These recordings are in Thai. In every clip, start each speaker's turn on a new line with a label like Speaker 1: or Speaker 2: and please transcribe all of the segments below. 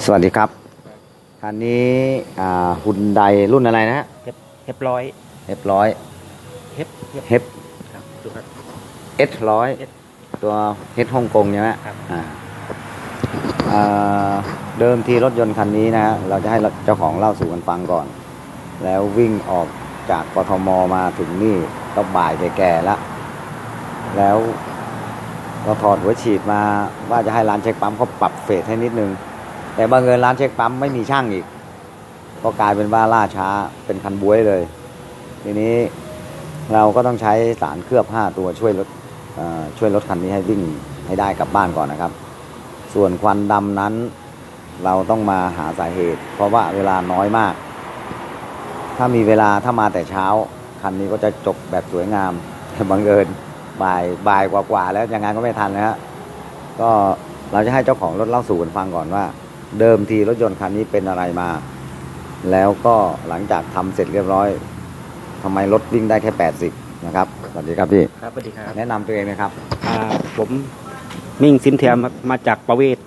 Speaker 1: สวัสดีครับคันนี้ฮุนไดรุ่นอะไรนะฮะ
Speaker 2: ร้อย
Speaker 1: เอฟร้อย
Speaker 2: เฮฟ
Speaker 1: เฮฟเอสร้อยตัวเฮดฮ่องกงใช่ไหมเดิมทีรถยนต์คันนี้นะฮะเราจะให้เจ้าของเล่าสู่กันฟังก่อนแล้ววิ่งออกจากกทมมาถึงนี่ก็บ่ายแก่ๆแล้วเราถอดหัวฉีดมาว่าจะให้ร้านเช็คปั๊มเขาปรับเฟสให้นิดนึงแต่บังเอิญร้านเช็คปั๊มไม่มีช่างอีกก็กลายเป็นว่าล่าช้าเป็นคันบ๊วยเลยทีนี้เราก็ต้องใช้สารเคลือบ5ตัวช่วยรถคันนี้ให้วิ่งให้ได้กลับบ้านก่อนนะครับส่วนควันดำนั้นเราต้องมาหาสาเหตุเพราะว่าเวลาน้อยมากถ้ามีเวลาถ้ามาแต่เช้าคันนี้ก็จะจบแบบสวยงามแต่บังเอิญบ่ายกว่าแล้วยังไงก็ไม่ทันนะฮะก็เราจะให้เจ้าของรถเล่าสู่กันฟังก่อนว่าเดิมทีรถยนต์คันนี้เป็นอะไรมาแล้วก็หลังจากทำเสร็จเรียบร้อยทำไมรถวิ่งได้แค่80นะครับสวัสดีครับพี่
Speaker 2: ครับสวัสดีครับ
Speaker 1: แนะนำตัวเองนะครับ
Speaker 2: ผมมิ่งสินเทียมมาจากประเวศ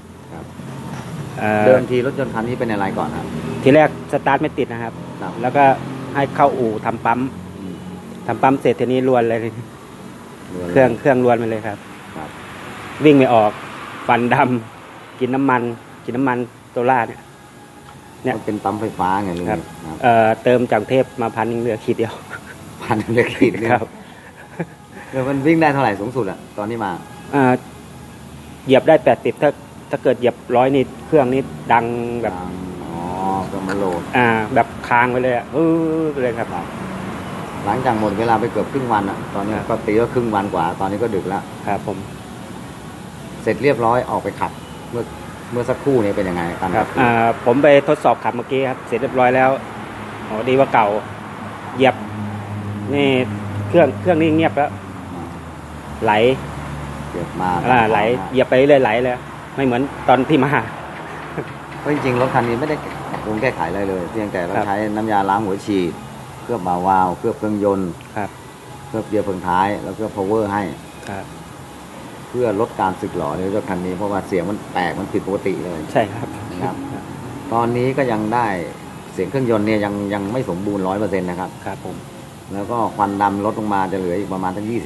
Speaker 1: เดิมทีรถยนต์คันนี้เป็นอะไรก่อนครับ
Speaker 2: ทีแรกสตาร์ทไม่ติดนะครับแล้วก็ให้เข้าอู่ทำปั๊มเสร็จทีนี้รวนเลยเครื่องรวนไปเลยครับวิ่งไม่ออกฟันดำกินน้ำมันโซล่าเนี่ย
Speaker 1: เป็นปั๊มไฟฟ้าไงลุงครับ
Speaker 2: เติมจากเทพมา1,000เหลือขีดเดียว
Speaker 1: 1,000เหลือขีดครับเดี๋ยวมันวิ่งได้เท่าไหร่สูงสุดอะตอนนี้มา
Speaker 2: เหยียบได้80ถ้าเกิดเหยียบ100นี่เครื่องนี้ดังแบบ
Speaker 1: ก็มาโหลด
Speaker 2: แบบค้างไปเลยเลยครับ
Speaker 1: หลังจากหมดเวลาไปเกือบครึ่งวันอะตอนนี้ก็ตีก็ครึ่งวันกว่าตอนนี้ก็ดึกแล้ว
Speaker 2: ครับผม
Speaker 1: เสร็จเรียบร้อยออกไปขับเมื่อสักครู่นี้เป็นยังไง
Speaker 2: ครับผมไปทดสอบขับเมื่อกี้ครับเสร็จเรียบร้อยแล้วดีว่าเก่าเหยียบนี่เครื่องนี่เงียบแล้วไหล
Speaker 1: เหยียบมา
Speaker 2: ไหลเหยียบไปเรื่อยไหลเลยไม่เหมือนตอนที่มา
Speaker 1: เพราะจริงๆรถคันนี้ไม่ได้ปรุงแก้ไขอะไรเลยเพียงแต่เราใช้น้ำยาล้างหัวฉีดเคลือบบ่าวาล์วเคลือบเครื่องยนต์เคลือบเกียร์เฟืองท้ายแล้วเคลือบ power ให้เพื่อลดการสึกหรอในรถคันนี้เพราะว่าเสียงมันแปลกมันผิดปกติเลย
Speaker 2: ใช่ครับ
Speaker 1: นะครับตอนนี้ก็ยังได้เสียงเครื่องยนต์เนี่ยยังไม่สมบูรณ์ 100% นะครับ
Speaker 2: ครับผม
Speaker 1: แล้วก็ควันดำลดลงมาจะเหลืออีกประมาณทั้ง 20%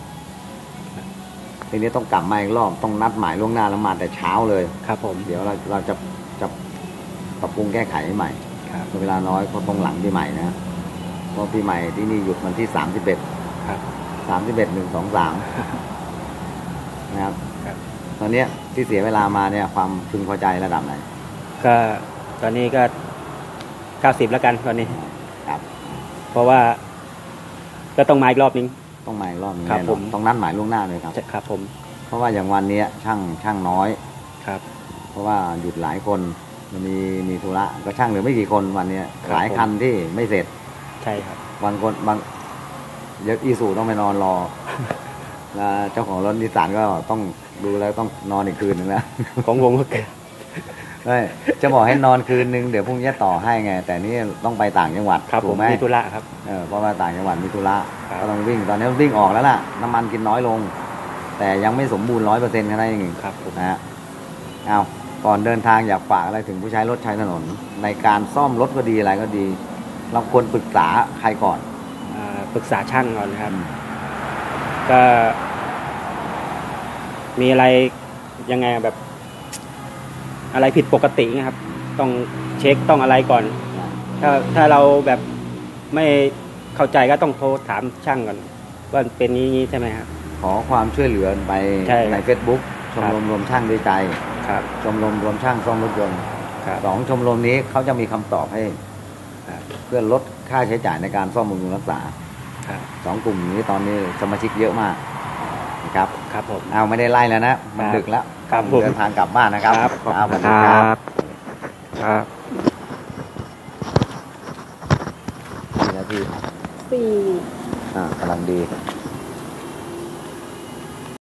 Speaker 1: ทีนี้ต้องกลับมาอีกรอบต้องนัดหมายล่วงหน้าแล้วมาแต่เช้าเลย
Speaker 2: ครับผม
Speaker 1: เดี๋ยวเราจะปรับปรุงแก้ไขให้ใหม่เวลาน้อยเพราะตรงหลังปีใหม่นะเพราะปีใหม่ที่นี่หยุดวันที่31
Speaker 2: ครับ
Speaker 1: 31 1 2 3นะครับตอนนี้ที่เสียเวลามาเนี่ยความพึงพอใจระดับไหน
Speaker 2: ก็ตอนนี้ก็90แล้วกันตอนนี้
Speaker 1: ครับ
Speaker 2: เพราะว่าก็ต้องมาอีกรอบนึง
Speaker 1: ต้องมาอีกรอบนึง
Speaker 2: ครับผม
Speaker 1: ต้องนัดหมายล่วงหน้าเลยครับ
Speaker 2: ครับผม
Speaker 1: เพราะว่าอย่างวันนี้ช่างน้อย
Speaker 2: ครับ
Speaker 1: เพราะว่าหยุดหลายคนมีธุระก็ช่างเหลือไม่กี่คนวันนี้หลายคันที่ไม่เสร็จ
Speaker 2: ใช่ครับ
Speaker 1: บางเยอะอีสูต้องไปนอนรอแล้วเจ้าของรถนิสสันก็ต้องดูแล้วต้องนอนอีกคืนนึงแล้ว
Speaker 2: ของวงก็เกิด
Speaker 1: จะบอกให้นอนคืนนึงเดี๋ยวพรุ่งนี้ต่อให้ไงแต่นี่ต้องไปต่างจังหวัด
Speaker 2: ถูกไหมมีธุระครับ
Speaker 1: เพราะว่าต่างจังหวัดมีธุระก็ต้องวิ่งตอนนี้วิ่งออกแล้วล่ะน้ำมันกินน้อยลงแต่ยังไม่สมบูรณ์ 100% แค่นั้นเอง
Speaker 2: ครับ
Speaker 1: นะฮะเอาก่อนเดินทางอยากฝากอะไรถึงผู้ใช้รถใช้ถนนในการซ่อมรถก็ดีอะไรก็ดีเราควรปรึกษาใครก่อน
Speaker 2: ปรึกษาช่างก่อนนะครับก็มีอะไรยังไงแบบอะไรผิดปกตินะครับต้องเช็คต้องอะไรก่อนถ้าเราแบบไม่เข้าใจก็ต้องโทรถามช่างก่อนว่าเป็นนี้ใช่ไหมครับ
Speaker 1: ขอความช่วยเหลือไปใน Facebook ชมรมรวมช่างด้วยใจชมรมรวมช่างซ่อมรถยนต์2ชมรมนี้เขาจะมีคำตอบให้เพื่อลดค่าใช้จ่ายในการซ่อมบำรุงรักษา2กลุ่มนี้ตอนนี้สมาชิกเยอะมากนะครับ
Speaker 2: ครับผม
Speaker 1: เอาไม่ได้ไล่แล้วนะมันดึกแล้วเดินทางกลับบ้านนะครับ
Speaker 2: ครับครับ
Speaker 1: 4 นาที
Speaker 3: 4
Speaker 1: กำลังดี